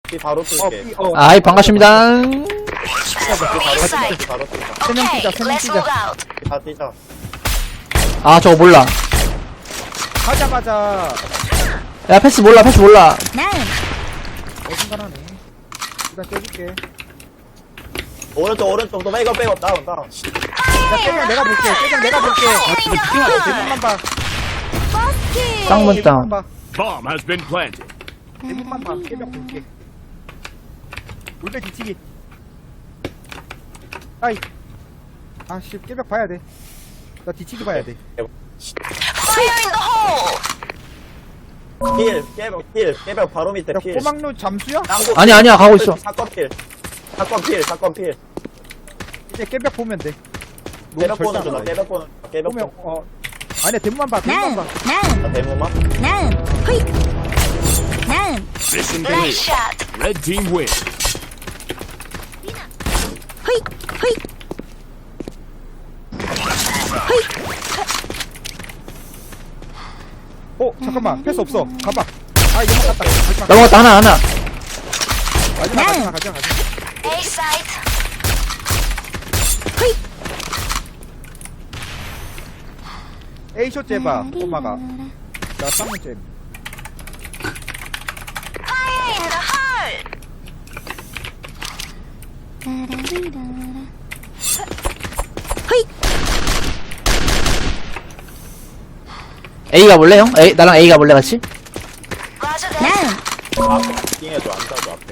B 바로 뚫게. 아이, 반갑습니다. A site. 바로 뚫게. Okay, let's move out. 다 뛰자. 아, 저거 몰라. 가자마자 야, 패스 몰라, 패스 몰라. 어중간하네. 일단 깨줄게. 오른쪽 또 백업 다운. 야 깨장 내가 볼게. 깨장 내가 볼게. 대문만 봐. 쌍문 다운. 대문만 봐. Bomb has been planted. 대문만 봐. 깨벽 볼게. 울배 뒤치기. 아이. 아씨 깨벽 봐야 돼. 나 뒤치기 봐야 돼. Fire in the hole. 깨벽 바로 밑에 야 필. 꼬막루 잠수야? 아니야, 가고 있어. 사건 필. 이제 깨벽 보면 돼. 깨벽 절대 보는 안 중, 봐. 깨벽 보면 보. 아니야 대문만 봐. 대문만 봐. 대문만. Mission Nice clear. shot. Red team win. 잠깐만 패스 없어. 가봐. 아 이거 갔다. 마지막 넘어갔다, 하나. 가자. A site. A쇼 째봐. 엄마가. 나 쌍문 째. Fire in the hole. A 가볼래, 형? 나랑 A 가볼래, 같이? Roger that. 띵해줘, 안 따줘, 앞에.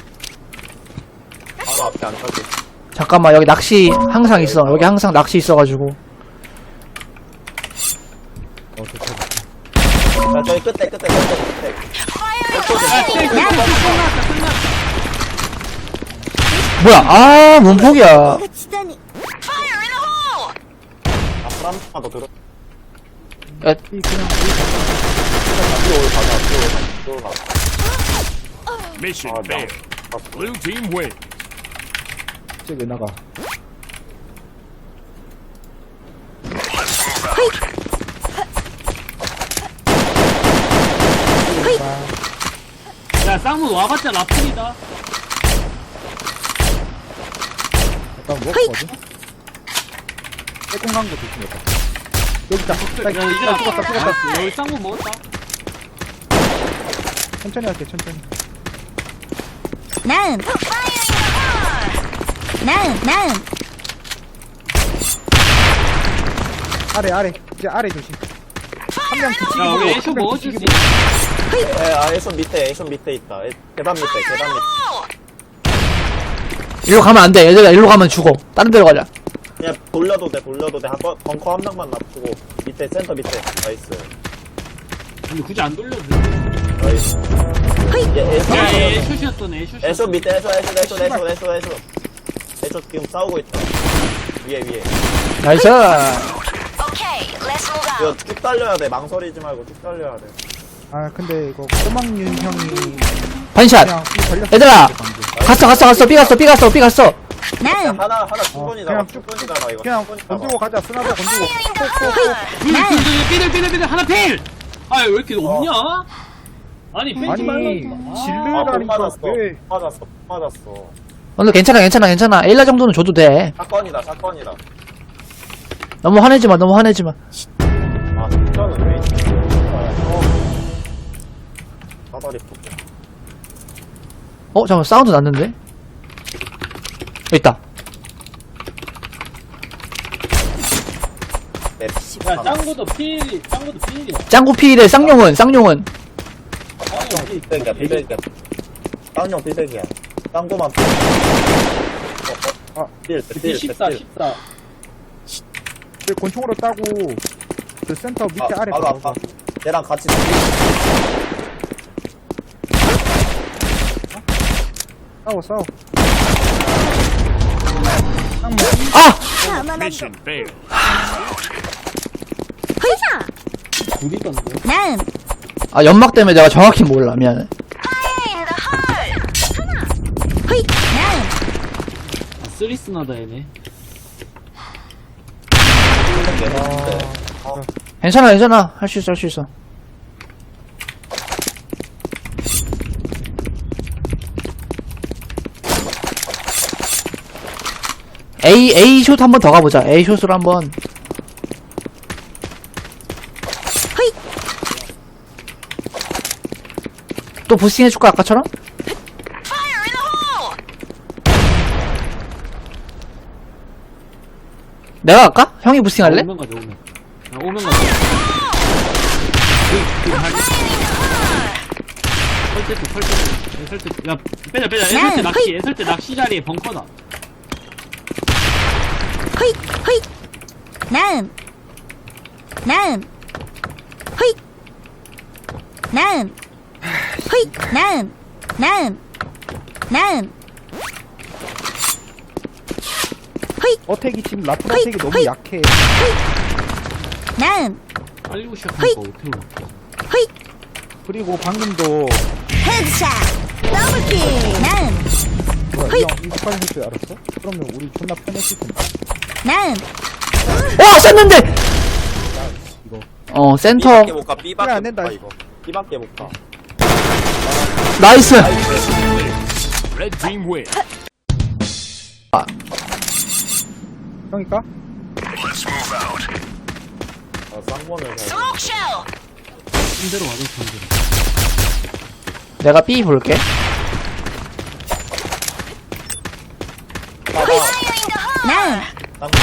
바로 앞에 안 따줘. 잠깐만, 여기 낚시 항상 있어. 여기 항상 낚시 있어가지고. 자, 저기 끝에. Fire in the hole. 뭐야, 아, 몸폭이야. Fire in the hole. 앞으로 한 번만 더 들어. 야, 뒤로 가. Mission 아, failed. Blue team win. 쟤왜 나가? 야 쌍문 와봤자 라플이다. 약간 먹었거든? 빼꼼간 거 조심해봐. 여기 있다. 야 이제 나 죽었다. 여기 쌍문 먹었다. 천천히 할게, 천천히. Fire in the hole. 아래. 이제 아래 조심. 한 명 뒤치기 야 보고, 우리 한 애쇼 명 먹어줄 수 뒤치기 있어. 에, 애손 밑에 있다. 계단 밑에. 일로 가면 안 돼. 얘들아, 일로 가면 죽어. 다른 데로 가자. 그냥 돌려도 돼. 한번 벙커 한 명만 납두고 밑에 센터 밑에. 나이스. 근데 굳이 안 돌려도 돼. 나이스. 야 얘 애쇼시였던 애쇼시. 애쇼 밑에 애쇼 지금 싸우고 있다. 위에. 나이스. Okay, let's move 이거 out. 쭉 달려야 돼. 망설이지 말고 쭉 달려야 돼. 아, 근데 이거 꼬막윤 형이 반샷. 그냥 걸렸어. 얘들아. 갔어. 삐 갔어. 하나 충분히 그냥 나와. 충분히 나와 이거. 그냥 충분히 나와. 건들고 가자. 쓰나도 건들고. Fire in the hole. 삐들 하나 필. 아 왜 이렇게 없냐? 아니 빼지 아니, 말라니까. 못 질르라니까. 맞았어. 왜? 못 맞았어. 오늘 괜찮아. 일라 정도는 줘도 돼. 사건이다. 너무 화내지 마. 아, 진짜는 왜 있지? 사다리 붙고. 잠깐만, 사운드 났는데? 여기 있다. 야 짱구도 필이야. 짱구 피일에 쌍용은. 비백이야. 쌍용 비백이야. 쌍고만 필. 필 14. 그 권총으로 따고 그 센터 밑에 아래 바로 가고. 아파. 얘랑 같이 싸워. 아! Mission failed. 둘이 떴네. 아, 연막 때문에 내가 정확히 몰라. 미안해. Fire in the hole. 쓰리스나다 얘네. 괜찮아. 할 수 있어. A 숏 한번 더 가보자. A 숏으로 한번. 또 부스팅 해줄까 아까처럼? Fire in the hole! 내가 갈까? 형이 부스팅 할래? 오면 가자, 오면. 야, 오면 가자. 설대 쪽. 야, 빼자. 애설 때 낚시 자리에 벙커다. Quick, quick. Nine. Nine. Quick. Nine. Quick. Nine. Nine. Nine. 어택이 지금 라플 어택이 너무 약해. Nine. 빨리고 시작하니까 어떻게 올라. Quick. 그리고 방금도 Headshot. Double kill. Nine. 뭐야 이 형 이거 빨리 할 줄 알았어? 그러면 우리 존나 편했을 텐데. Nine. 와 쐈는데! 이거 센터. B밖에 못 가. 그래, B밖에 안 못 된다. 가 이거. B밖에 못 가. 나이스! Red team win. 형이까? 쌍권을 잘. Smoke shell. 힘대로 와도 좋은데. 내가 B 볼게. 봐봐. Fire in the hole. Nine. 쌍권.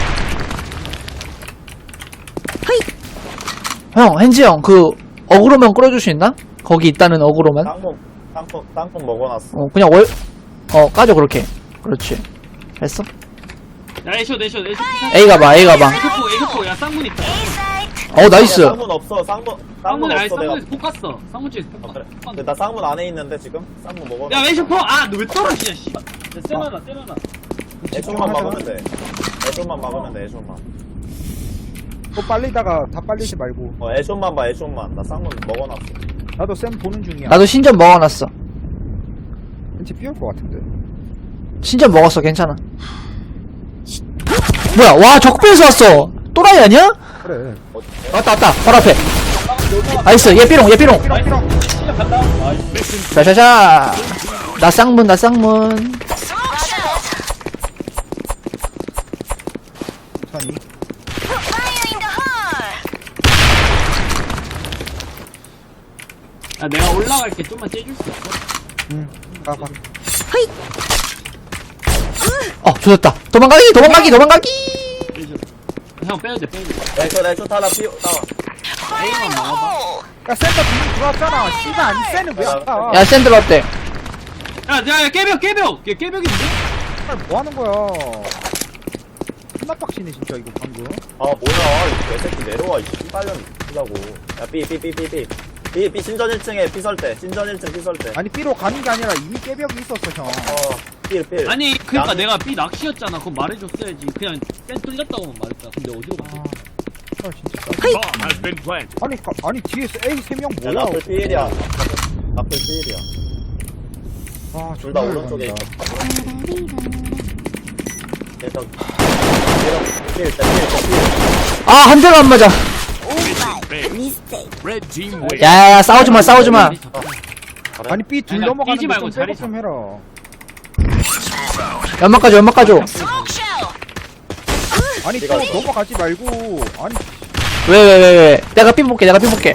형, hen지 형, 어그로면 끌어줄 수 있나? 거기 있다는 어그로면? 땅콩 먹어놨어. 그냥 까줘, 그렇게. 그렇지. 됐어? 야, 애쇼. A 가봐. 애쇼포. 야, 쌍문 있다. A site. 나이스. 쌍문 없어. 쌍문 쌍문에, 아니, 없어. 내가. 쌍문에서 폭 갔어. 쌍문 쪽에서 폭 그래. 갔어. 근데 나 쌍문 안에 있는데 지금 쌍문 먹어. 야, 애쇼포! 아, 너 왜 떨어지냐, 씨. 쎄나나. 애쇼만 막으면 돼. 애쇼만 막으면 돼. 애쇼만. 또 빨리다가 다 빨리지 말고. 애쇼만 봐. 애쇼만. 나 쌍문 먹어놨어. 나도 쌤 보는 중이야. 나도 신전 먹어놨어. 왠지 삐올 것 같은데. 신전 먹었어, 괜찮아. 뭐야, 와, 적배에서 왔어. 또라이 아니야? 그래. 왔다. 바로 앞에. 나이스, 얘 삐롱. 삐롱. 샤샤샤. 나 쌍문. Smoke shell. 천천히. Fire in the hole. 야, 내가 올라갈게. 좀만 째줄 수 있어? 응. 가봐. 조졌다. 도망가기. 애쇼. 형, 빼야 돼. 애쇼 타라 피우 나와. Fire in the hole. 야 센터 분명 들어왔잖아. 씨발 아니 쌤은 왜 아까? 야, 샌들 어때? 야, 깨벽! 얘 깨벽인데? 정말 뭐 하는 거야? 존나 빡치네 진짜 이거 방금. 뭐야 이 개새끼 내려와 이 씨발년 쓰라고. 야 B 신전 1층에 B 설대. 신전 1층 B 설대. 아니 B로 가는 게 아니라 이미 깨벽이 있었어 형. 필. 아니, 그니까 양- 내가 B 낚시였잖아. 그건 말해줬어야지. 그냥 센 뚫렸다고만 말했다. 근데 어디로 갔지? 아 진짜. Bomb has been planted. 아니 뒤에서 A 3명 야 뭐야? 라플 필이야. 라플 필이야. 아 둘 다 존나 오른쪽에 있어. 열받는다. 얘도 필. 한 대도 안 맞아. Mission failed. Red team win. 야, 싸우지 마. 아니 B 둘 아니, 넘어가는 뛰지 말고 거좀 자리 좀 해라. 연막 가져. Smoke shell. 아니 또 넘어가지 말고. 아니 왜. 내가 핀 볼게. 아 Fire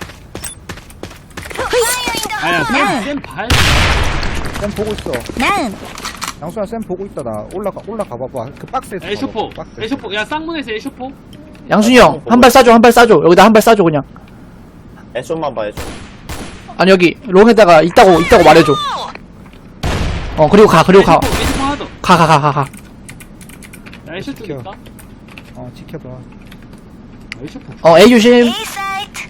in the 아야, hole. 쌤 봐야 돼. 쌤 보고 있어. Nine. 양수야 쌤 보고 있다 나 올라가 봐봐. 그 박스에서. 애쇼포. 봐봐, 박스. 애쇼포. 야, 쌍문에서 애쇼포. 양순이 형, 한 발 쏴줘. 여기다 한 발 쏴줘, 그냥. 애쇼만 봐 애쇼. 아니, 여기, 롱에다가 있다고 말해줘. 그리고 가. 애쇼포 하나 더. 가. 야, 애쇼 쪽 있다. 지켜봐. 애쇼포. A 조심. A site.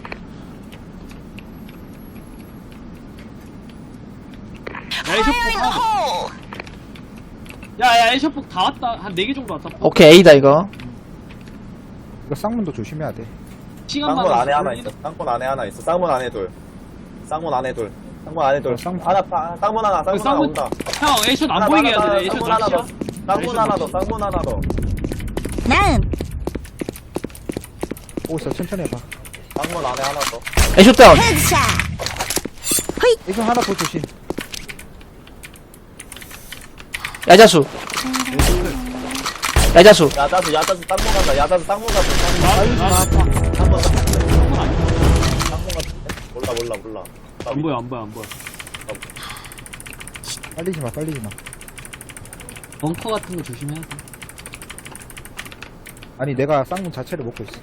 야, 애쇼포 Fire in the 하나 더. hole. 야, 애쇼포 다 왔다. 한 4개 정도 왔다. 오케이, A다, 이거. 이거 쌍문도 조심해야 돼. 시간만. 쌍문 안에 하나 있어. 쌍문 안에 둘. 쌍문 안에 둘. 쌍문 안에 둘. 쌍문. 쌍문 하나 온다. 형, 애쇼 안 보이게 해야 돼. 애쇼 쌍문 하나 낚시야. 더. 쌍문 하나 더. Nine. 보고 있어 천천히 해봐. 쌍문 안에 하나 더. 애쇼 다운. Headshot. 이거 하나 더 조심. 야자수. 야자수. 야자수 땅콩 가자. 야자수 땅콩 가자. 나 땅콩 같은데. 몰라. 안 보여. 빨리지 마. 벙커 같은 거 조심해야 돼. 아니, 내가 쌍문 자체를 먹고 있어.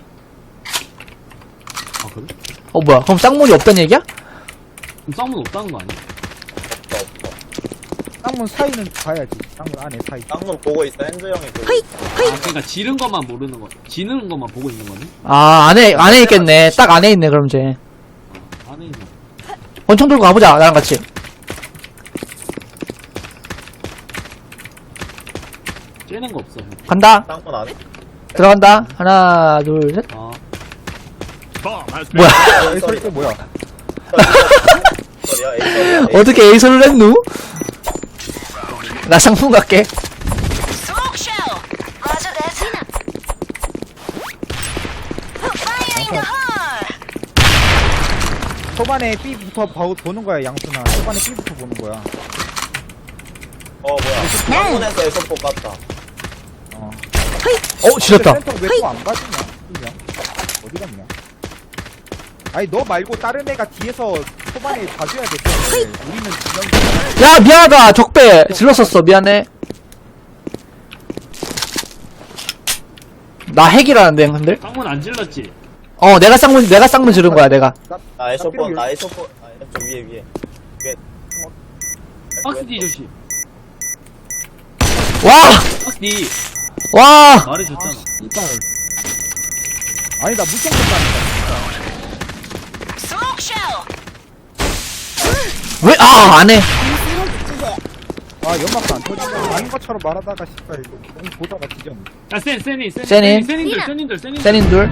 아 그래? 뭐야. 그럼 쌍문이 없단 얘기야? 그럼 쌍문 없다는 거 아니야? 없어. 쌍문 사이는 봐야지. 쌍문 안에 사이. 땅콩 보고 있어. 핸즈 형이 보고. 아 그러니까 지른 것만 모르는 거, 지는 것만 보고 있는 거네. 안에 있겠네. 딱 안에 있네, 그럼 이제. 안에 있는. 권총 들고 가보자, 나랑 같이. 째는 거 없어. 간다. 땅콩 안에. 들어간다. 하나, 둘, 셋. 아 Bomb has been 뭐야. 에이, 소리 또 뭐야? 소리야. 에이. 어떻게 에이소를 했누? 나 상품 갈게. Smoke show. Roger that. Fire in the hole. 초반에 B부터 보는 거야, 양수나. 초반에 B부터 보는 거야. 뭐야. 땅콩에서 에서포 갔다. 지렸다. 센터 왜또 안 가지냐? 그냥. 어디 갔냐? 아니, 너 말고 다른 애가 뒤에서 초반에 봐줘야 돼. 우리는 진영이. 야, 미안하다. 적배. 질렀었어. 미안해. 나 핵이라는데, 형들? 쌍문 안 질렀지? 내가 쌍문 지른 거야, 내가. 나 에서포. 좀 위에. 박스 D 조심. 와! 박스 D 와! 말해줬잖아. 아니, 나 물총 쏜다니까. Smoke show. 왜? 안 해. 아, 연막도 안 터진다. 아닌 것처럼 말하다가, 씨발, 너무 보다가 뒤졌네. 야 세닌. 세닌 둘.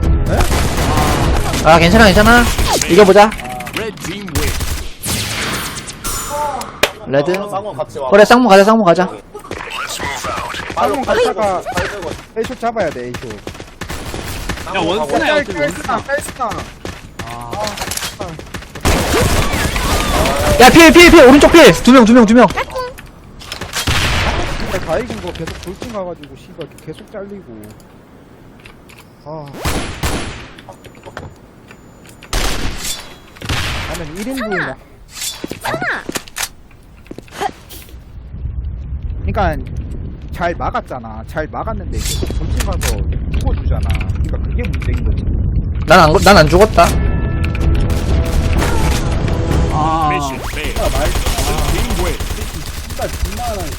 괜찮아. 이겨보자. Red team win. 레드. 쌍콩 같이 와. 그래, 쌍문 가자. 쌍문 갔다가 A쇼 잡아야 돼, A쇼. 야 원스나야 어차피 원스나. 뺄스나. 야, 필. 오른쪽 필. 두 명. 근데 다 이긴 거 계속 돌진 가가지고, 씨발, 계속 잘리고. 나는 1인분이야. 그니까, 잘 막았잖아. 잘 막았는데, 계속 돌진 가서 죽어주잖아. 그니까 그게 문제인 거지. 난 안 죽었다. 아 Mission failed. Red team win. 진짜 존나